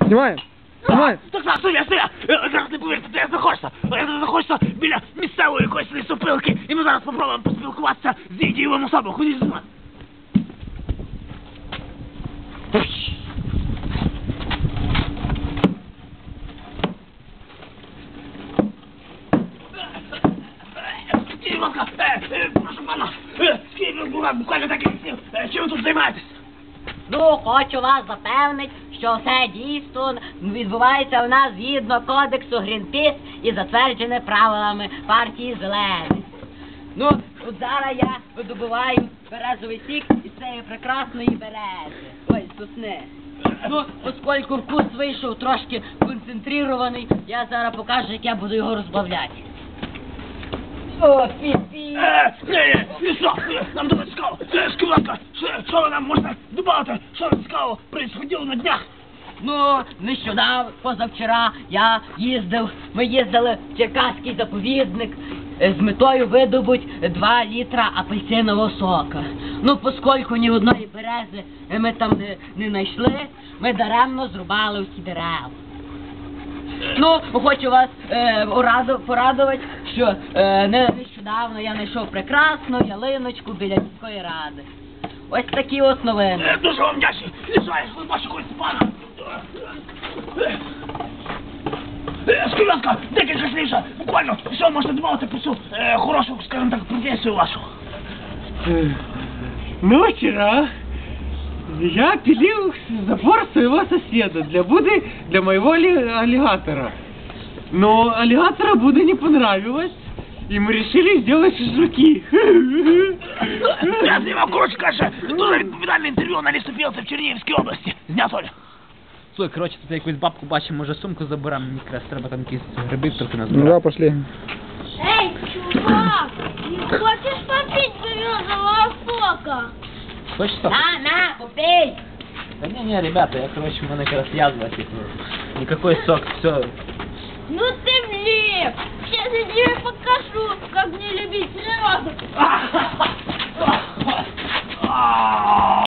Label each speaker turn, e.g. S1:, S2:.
S1: Знімаємо. Знімаємо.
S2: Так, стоя! Зараз не повірте, де знаходишся біля місцевої якоїсь лісопилки, і ми зараз попробуємо поспілкуватися з її дієвим особом. Ходіть зі мною. Скажіть, будь ласка, прошу пана, скажіть, буквально декілька слів, чим ви тут займаєтесь?
S3: Ну, хочу вас запевнити, що все дійсно відбувається у нас згідно кодексу Грінпіс і затверджене правилами партії Зелених. Ну, от зараз я видобуваю березовий сік із цієї прекрасної берези. Ой, сосни. Ну, оскільки вкус вийшов трошки концентрований, я зараз покажу, як я буду його розбавляти. О, пі-пі!
S2: Що? Нам дуже цікаво. Скажіть, будь ласка, що ви нам можете додати? Що цікаво происходило на днях?
S3: Ну, нещодавно, позавчора ми їздили в Черкаський заповідник з метою видобути 2 літра апельсинового сока. Ну, поскольку ні одної берези ми там не знайшли, ми даремно зрубали усі дерева. Ну, хочу вас порадувати, що нещодавно я знайшов прекрасну ялиночку біля міської ради. Ось такі ось новини.
S2: Дуже вам вдячний. Лишаєш, ви бачите когось пана. Скажіть, будь ласка, декілька слів, буквально, що можете додати про цю хорошу, скажімо так, професію вашу?
S1: Ну, вчера я пилил забор своего соседа для моего аллигатора. Но аллигатора Буде не понравилось, и мы решили сделать шашлыки.
S2: Я знімав, коротше каже, дуже відповідальне інтерв'ю на лісопілці в Чернігівській області. Знято.
S4: Слухай, коротше, тут якусь бабку бачимо, може сумку заберемо, мені якраз треба там якісь гриби трохи
S1: Ну
S4: назбирати.
S1: да, пошли.
S5: Эй, чувак, не хочешь попить березового сока?
S4: Хочеш що?
S3: На, попей!
S4: Да не, ребята, я, короче, у меня как раз язва, типа, никакой сок, все.
S5: Ну ты влип! Сейчас я тебе покажу, как не любить природу.